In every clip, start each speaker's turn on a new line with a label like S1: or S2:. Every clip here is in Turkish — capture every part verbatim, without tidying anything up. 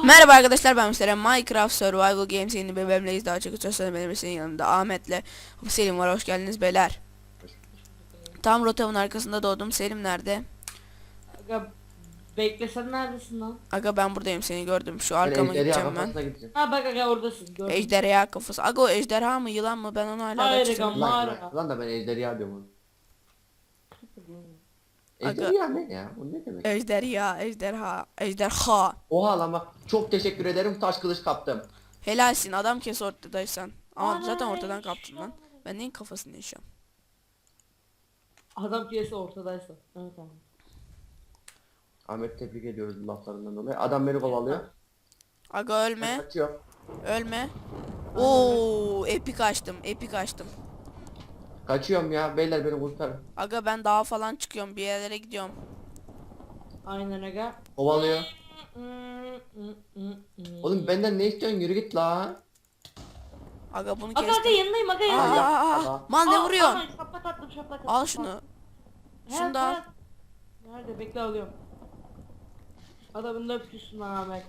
S1: Merhaba arkadaşlar, ben Müslüman. Minecraft Survival Games yeni bir bölümdeyiz. Daha çok sosyal medyasının yanında Ahmet'le Selim var. Hoş geldiniz beyler. Tam rotamın arkasında doğdum. Selim nerede?
S2: Aga beklesen neredesin lan?
S1: Aga ben buradayım, seni gördüm. Şu
S3: Ben
S1: arkama
S3: ejderha
S1: gideceğim ben.
S3: kafasına gideceğim.
S2: Ha bak aga oradasın. Gördüm.
S1: Ejderha kafası. Aga o ejderha mı yılan mı, ben onu hala
S2: Hayır
S1: kaçırdım.
S2: aga.
S3: Lan,
S2: Mağara.
S3: lan, lan da ben ejderha diyorum onu.
S1: Aga-
S3: Ejderha ne ya? O ne demek?
S1: Ejderha, ejderha, ejderha.
S3: Oha lan bak. Çok teşekkür ederim. Taş kılıç kaptım.
S1: Helalsin, adam kes ortadaysan. Ama
S2: Ana,
S1: zaten ortadan
S2: eş-
S1: kaptın lan. Ben neyin kafasını yaşıyorum?
S2: Adam piyasa ortadaysa. Evet abi.
S3: Ahmet tebrik ediyoruz bu laflarından dolayı. Adam beni kovalıyor.
S1: Aga ölme,
S3: Kaçıyor.
S1: ölme. Oo, epik açtım, epik açtım.
S3: Kaçıyorum ya. Beyler beni kurtarın.
S1: Aga ben dağa falan çıkıyorum, bir yerlere gidiyorum.
S2: Aynen aga.
S3: Kovalıyor. Oğlum benden ne istiyorsun? Yürü git la.
S1: Aga bunu
S2: Aga aga
S1: kestim.
S2: yanındayım aga
S1: Aa,
S2: yanındayım.
S3: ya,
S1: aa, aa.
S3: aga.
S1: Mal ne
S2: Aa,
S1: vuruyorsun?
S2: aa, Şaplak attım şaplak attım.
S1: Al şunu.
S2: He,
S1: Şunu da al.
S2: he. Nerede bekle alıyorum. Adamın da öpüyorsun lan Ahmet.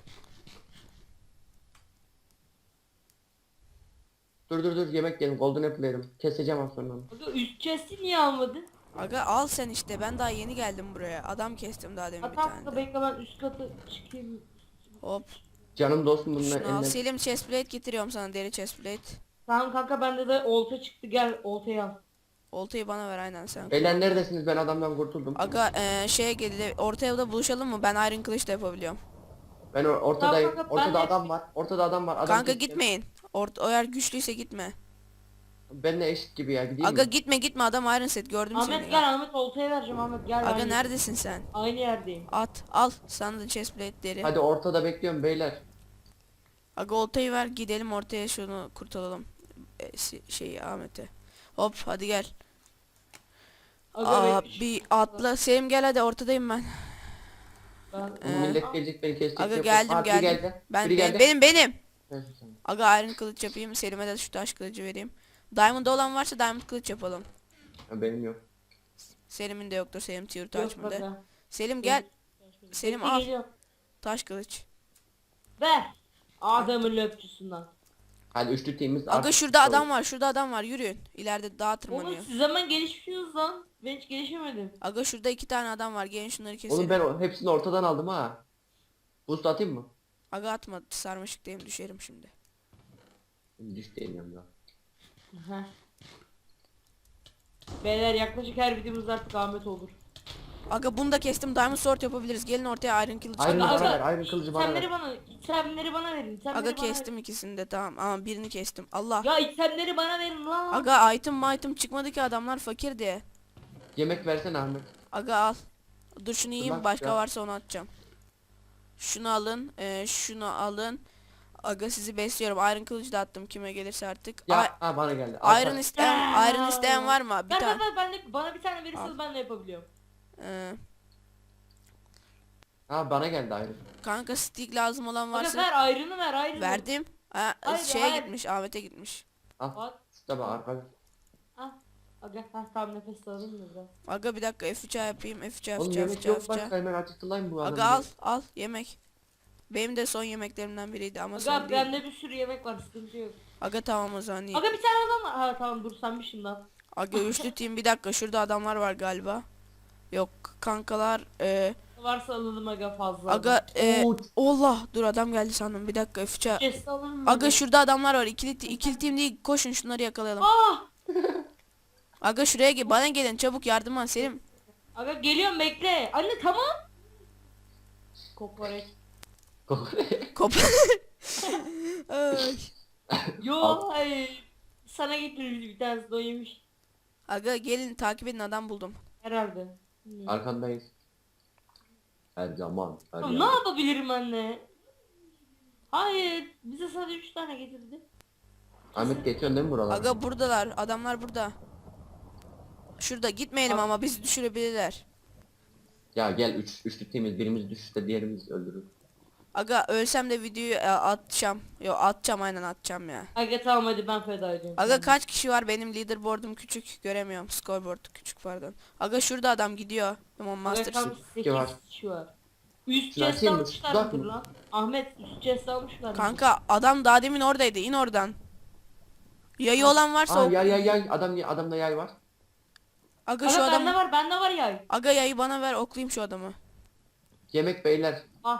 S3: Dur dur dur yemek yiyelim. Golden apple yerim. Keseceğim az sonra.
S2: Aga üst chest'i niye almadın?
S1: Aga al sen işte, ben daha yeni geldim buraya. Adam kestim daha demin bir
S2: Hatta
S1: tane
S2: da
S1: de.
S2: bekle ben üst katı çıkayım.
S1: Hop.
S3: Canım dostum bununla
S1: Şunu al.
S3: elinden.
S1: Selim chestplate getiriyorum sana, deri chestplate.
S2: Tamam kanka bende de olta çıktı gel oltayı al.
S1: Oltayı bana ver, aynen sen.
S3: Beyler neredesiniz? Ben adamdan kurtuldum.
S1: Aga eee şeye geldi, orta evde buluşalım mı? Ben Iron Kılıç da yapabiliyorum.
S3: Ben or- ortadayım.
S2: Tamam, kanka, ben
S3: Ortada
S2: de-
S3: adam var. Ortada adam var. Adam
S1: Kanka
S3: keseceğim.
S1: gitmeyin. Ort o eğer güçlüyse gitme.
S3: Benle eşit gibi ya. Gideyim
S1: Aga
S3: mi?
S1: gitme gitme, adam Iron Set gördüm
S2: Ahmet
S1: seni.
S2: gel Ahmet oltayı vereceğim Ahmet gel.
S1: Aga
S2: aynı,
S1: neredesin sen?
S2: aynı yerdeyim.
S1: At al sana da chestplate deri.
S3: Hadi ortada bekliyorum beyler.
S1: Aga oltayı ver, gidelim ortaya, şunu kurtaralım. E, si- şeyi Ahmet'e. Hop hadi gel.
S2: Aga
S1: Aa,
S2: bekle.
S1: bir atla Selim, gel hadi, ortadayım ben.
S2: Ben...
S3: Bu
S1: Ee,
S3: millet gelecek beni kesecek.
S1: Aga
S3: yok.
S1: geldim
S3: Aa, biri
S1: geldim.
S3: geldi.
S1: Ben,
S3: Biri
S1: ben-
S3: geldi.
S1: benim benim.
S3: Neyse, tamam.
S1: Aga iron kılıç yapayım, Selim'e de şu taş kılıcı vereyim. Diamond olan varsa diamond kılıç yapalım.
S3: Ha, benim yok.
S1: Selim'in de yoktur, Selim tier
S2: Yok
S1: açmadı.
S2: aga.
S1: Selim gel, Selim
S2: Bekle,
S1: al.
S2: geliyorum.
S1: Taş kılıç.
S2: Ver. Adamın löpçüsünden.
S3: Hadi üçlü teamimiz
S1: Aga
S3: artık
S1: şurada
S3: çıktı.
S1: adam var, şurada adam var, yürüyün. İleride dağa
S2: Oğlum
S1: tırmanıyor.
S2: siz hemen gelişmişsiniz lan. Ben hiç gelişemedim.
S1: Aga şurada iki tane adam var, gelin şunları keselim.
S3: Oğlum ben o- hepsini ortadan aldım ha. Boost atayım mı?
S1: Aga atma, sarmaşıktayım, düşerim şimdi.
S3: Düş diyemiyorum ya.
S2: Heh. Beyler yaklaşık her videomuz artık Ahmet olur.
S1: Aga bunu da kestim, diamond sword yapabiliriz. Gelin ortaya iron kılıç.
S3: Iron
S1: Aga,
S3: bana
S2: Aga,
S3: ver, iron kılıcı bana
S2: itemleri
S3: ver.
S2: bana, itemleri bana verin. itemleri
S1: Aga
S2: bana
S1: kestim ikisini de, tamam, ama birini kestim. Allah.
S2: Verin. Ya itemleri bana verin lan.
S1: Aga item item çıkmadı ki, adamlar fakir diye.
S3: Yemek versene Ahmet.
S1: Aga al. Dur şunu yiyeyim,
S3: bak
S1: başka
S3: ya.
S1: varsa onu atacağım. Şunu alın, e, şunu alın. Aga sizi besliyorum. Iron kılıcı da attım kime gelirse artık.
S3: Ya
S1: Ay-
S3: ha bana geldi.
S1: Iron isteyen, Iron isteyen var mı? Bir
S2: Ver ver
S1: tane.
S2: ver ben de, bana bir tane verirseniz
S1: Al.
S2: ben de yapabiliyorum.
S1: Ee,
S3: Ha bana geldi Iron.
S1: kanka stick lazım olan
S2: Aga
S1: varsa
S2: ver ayrını ver ayrını.
S1: verdim. Ha,
S2: Hayır,
S1: şeye
S2: hayır.
S1: gitmiş, Ahmet'e gitmiş.
S3: Al.
S2: At.
S3: Şurada bak arkada.
S2: Ah. Aga ha tamam nefes alalım da biraz.
S1: Aga bir dakika F üç A yapayım. F üç A,
S3: Oğlum
S1: F üç A,
S3: yemek
S1: F üç A,
S3: yok
S1: F üç A.
S3: başka hemen acıktılar bu adamı.
S1: Aga al al yemek. Benim de son yemeklerimden biriydi ama son
S2: Aga
S1: değil.
S2: bende bir sürü yemek var sıkıntı yok.
S1: Aga tamam o zaman iyi.
S2: Aga bir tane adam var. Ha tamam dur senmişsin lan.
S1: Aga üçlü team, bir dakika şurada adamlar var galiba. Yok kankalar. E,
S2: Varsa alalım aga fazla.
S1: aga e,
S3: Oo.
S1: Allah, dur adam geldi sandım, bir dakika F üç A.
S2: Chest alalım mı?
S1: Aga şurada adamlar var, ikili, ikili team değil, koşun şunları yakalayalım.
S2: Ah!
S1: Aga şuraya gel, bana gelin çabuk, yardıma Selim.
S2: Aga geliyorum bekle. Anne tamam. Kokoreç.
S1: Kop. Ay.
S2: Yo hayır. Sana getirmiş bir tanesi de o yemiş.
S1: Aga gelin takip edin, adam buldum.
S2: Herhalde. Bilmiyorum.
S3: Arkandayız. Her zaman. Her
S2: Ya
S3: zaman.
S2: ne yapabilirim anne? Hayır. Bize sadece üç tane getirdi.
S3: Ahmet geçiyorsun değil mi buralar?
S1: Aga buradalar, adamlar burada. Şurada gitmeyelim
S2: Bak.
S1: ama bizi düşürebilirler.
S3: Ya gel üç, üçlü teamiz, birimiz düşüşte diğerimiz öldürür.
S1: Aga ölsem de videoyu e, atacağım. Yo atacağım, aynen atacağım ya.
S2: Aga tamam hadi ben feda ediyorum.
S1: Aga kaç kişi var, benim leaderboard'um küçük, göremiyorum. Scoreboard küçük, pardon. Aga şurada adam gidiyor. Tamam
S2: Aga
S1: Master.
S2: tam
S3: Kim var?
S2: sekiz kişi var. Üst
S3: Şunu
S2: chest
S3: açayım mı?
S2: almışlar
S3: Uzak
S2: mıdır
S3: mı?
S2: lan? Ahmet üst chest almışlar mı?
S1: Kanka adam daha demin oradaydı. İn oradan. Yayı olan varsa
S3: Aa
S1: ok-
S3: yay yay yay. Adam adamda yay var.
S1: Aga şu
S2: Kanka bende
S1: adamı.
S2: var bende var yay.
S1: Aga yayı bana ver, oklayayım şu adamı.
S3: Yemek beyler.
S2: Ah.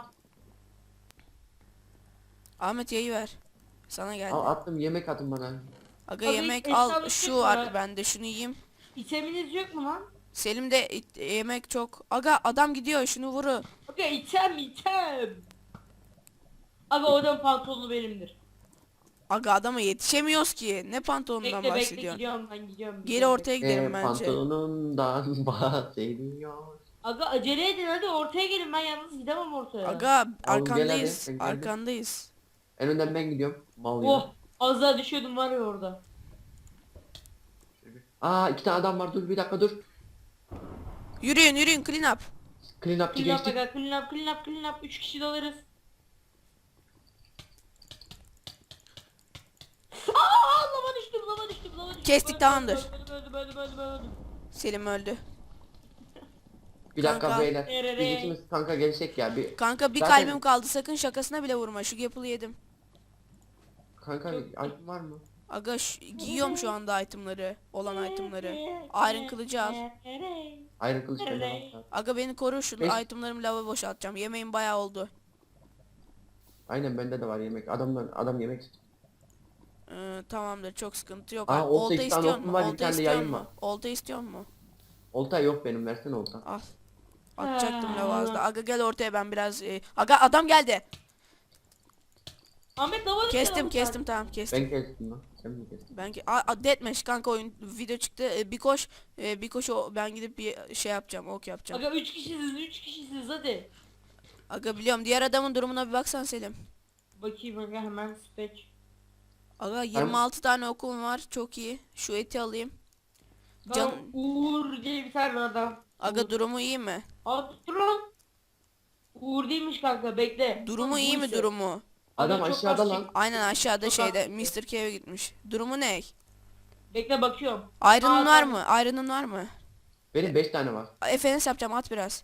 S1: Ahmet yayı ver. Sana geldi.
S3: Al attım yemek atın bana.
S1: Aga
S2: Abi,
S1: yemek
S2: eşyalık
S1: al,
S2: yok
S1: şu
S2: mu
S1: var
S2: ya?
S1: bende, şunu yiyeyim.
S2: İteminiz yok mu lan?
S1: Selim'de it- yemek çok. Aga adam gidiyor, şunu vuru.
S2: Okey item item. Aga o adam pantolonu benimdir.
S1: Aga adama yetişemiyoruz ki. Ne pantolonundan
S2: Bekle bekle
S1: bahsediyorsun?
S2: gidiyorum ben gidiyorum.
S1: Geri
S2: gidiyorum,
S1: ortaya
S2: bekle.
S1: gidelim
S3: Ee,
S1: bence.
S3: pantolonundan bahsediyor.
S2: Aga acele edin hadi ortaya gelin ben yalnız gidemem ortaya.
S1: Aga
S3: gel
S1: arkandayız.
S3: hadi, ben geldim.
S1: Arkandayız.
S3: En önden ben gidiyorum. Mal gibi.
S2: Oh az daha düşüyordum var ya orada.
S3: Aa iki tane adam var, dur bir dakika dur.
S1: Yürüyün yürüyün, clean up.
S3: Clean upçı
S2: Clean up
S3: geçtik.
S2: aga clean up clean up clean up üç kişi dolarız. Aaa lava düştüm lava düştüm lava düştüm.
S1: Kestik,
S2: Öldüm,
S1: tamamdır.
S2: Öldüm öldüm öldüm öldüm öldüm.
S1: Selim öldü.
S3: Bir dakika
S1: Kanka.
S3: beyler.
S2: Nereye?
S3: Biz ikimiz kanka gelsek ya bir.
S1: Kanka bir
S3: Zaten-
S1: kalbim kaldı, sakın şakasına bile vurma. Şu Gapple yedim.
S3: Kanka item var mı?
S1: Aga şu- giyiyorum şu anda itemları. Olan itemları. Iron kılıcı al.
S3: Iron kılıç bende var.
S1: Aga beni koru, şu
S3: Beş-
S1: itemlarımı lava boşaltacağım. Yemeğim bayağı oldu.
S3: Aynen bende de var yemek. Adamlar adam yemek istiyor.
S1: Ee, tamamdır, çok sıkıntı yok.
S3: Aa,
S1: Aa,
S3: olta
S1: olta
S3: iki tane
S1: istiyor
S3: okum
S1: mu?
S3: var, bir
S1: Olta
S3: tane de
S1: istiyor
S3: yayım
S1: mu?
S3: var.
S1: Olta istiyor mu?
S3: Olta yok benim, versene olta.
S1: Al. Atacaktım
S2: Ha.
S1: lava az da. Aga gel ortaya, ben biraz... e, Aga adam geldi.
S2: Ahmet lava düştü,
S1: Kestim
S2: lava
S1: kestim, tamam kestim.
S3: Ben kestim lan. Sen mi kestin?
S1: Ben ki a, a, deathmatch kanka, oyun video çıktı. E, bir koş, e, bir koş, o ben gidip bir şey yapacağım, ok yapacağım.
S2: Aga üç kişisiniz üç kişisiniz hadi.
S1: Aga biliyorum, diğer adamın durumuna bir baksan Selim.
S2: Bakayım aga hemen spec.
S1: Aga yirmi altı tane okum var, çok iyi. Şu eti alayım. Can...
S2: Can... Uğur diye bir tane adam.
S1: Aga
S2: Uğur.
S1: durumu iyi mi?
S2: Aa dur lan. Uğur değilmiş kanka bekle.
S1: Durumu
S2: Lan
S1: iyi mi
S2: buysa.
S1: durumu?
S3: Adam
S2: Aga, çok
S3: aşağıda
S2: az
S3: lan.
S2: çek-
S1: Aynen aşağıda
S2: Çok
S1: şeyde
S2: az-
S1: mister K'ye gitmiş. Durumu ne?
S2: Bekle bakıyorum.
S1: Iron'un
S2: Aa,
S1: var
S2: tamam.
S1: mı? Iron'un var mı?
S3: Benim beş tane var.
S1: F N S yapacağım, at biraz.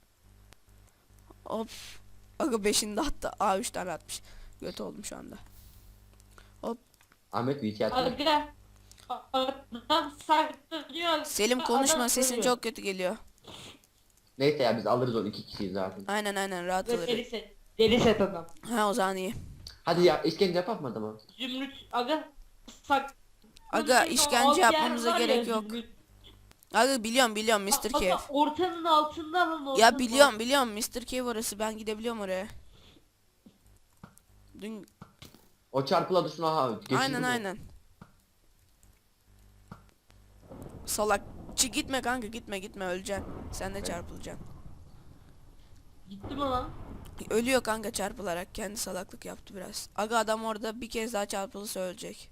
S1: Hop. Aga beşini de attı. Aa üç tane atmış. Göt oldum şu anda.
S3: Ahmet V iki attı.
S2: Aga. Adam saklanıyor.
S1: Selim
S2: Adam
S1: konuşma, sesin
S2: ölüyor.
S1: çok kötü geliyor.
S3: Neyse ya biz alırız onu, iki kişiyiz zaten.
S1: Aynen aynen, rahat
S2: Aga, Deli
S1: alırız.
S2: set. Deli set adam.
S1: Ha o zaman iyi.
S3: Hadi ya işkence yapak mı adama?
S2: Zümrüt. Aga. Sak.
S1: Aga
S2: Zümrüt,
S1: işkence
S2: o yer
S1: yapmamıza
S2: var ya,
S1: gerek yok.
S2: Zümrüt.
S1: Aga biliyorum biliyorum mister
S2: Aga,
S1: Cave.
S2: ortanın altında lan ortanın
S1: Ya biliyorum biliyorum mister Cave orası, ben gidebiliyorum oraya. Dün
S3: O çarpıla dışına ha. geçirdi
S1: aynen
S3: mi?
S1: aynen. Salak. Çi gitme kanka, gitme gitme, öleceksin. Sen de çarpılacaksın.
S2: Gitti mi lan?
S1: Ölüyor kanka çarpılarak, kendi salaklık yaptı biraz. Aga adam orada bir kez daha çarpılırsa ölecek.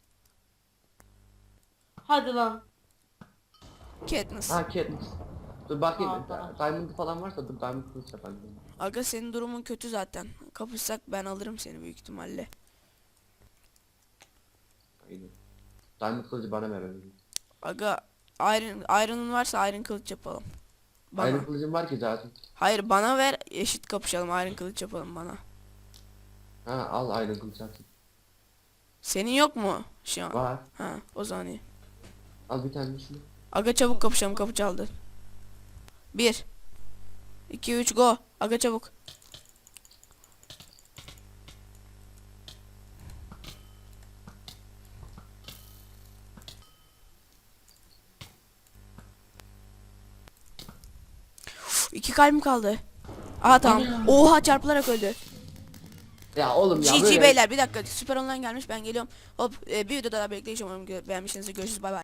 S2: Hadi lan.
S1: Katniss.
S3: Ha Katniss. Dur bakayım.
S2: Aa, tamam.
S3: Diamond falan varsa dur Diamond kılıç yapalım.
S1: Aga senin durumun kötü zaten. Kapışsak ben alırım seni büyük ihtimalle.
S3: Aynen. Diamond kılıcı bana ver öyle.
S1: Aga Iron, Iron'un varsa Iron kılıç yapalım. Bana.
S3: Iron kılıcım var ki zaten.
S1: Hayır bana ver, eşit kapışalım, Iron kılıç yapalım bana.
S3: Ha al Iron kılıç atın.
S1: Senin yok mu şu an?
S3: Var.
S1: Ha o zaman iyi.
S3: Al bir tanesini.
S1: Aga çabuk kapışalım, kapı çaldı. Bir iki üç go. Aga çabuk. Uf, İki kalbim kaldı. Aha tamam. Oha çarpılarak öldü.
S3: Ya oğlum ya
S1: G G
S3: böyle.
S1: beyler, bir dakika, süper online gelmiş, ben geliyorum. Hop e, bir videoda daha bekleyeceğim, umarım gö- beğenmişsinizdir, görüşürüz, bay bay.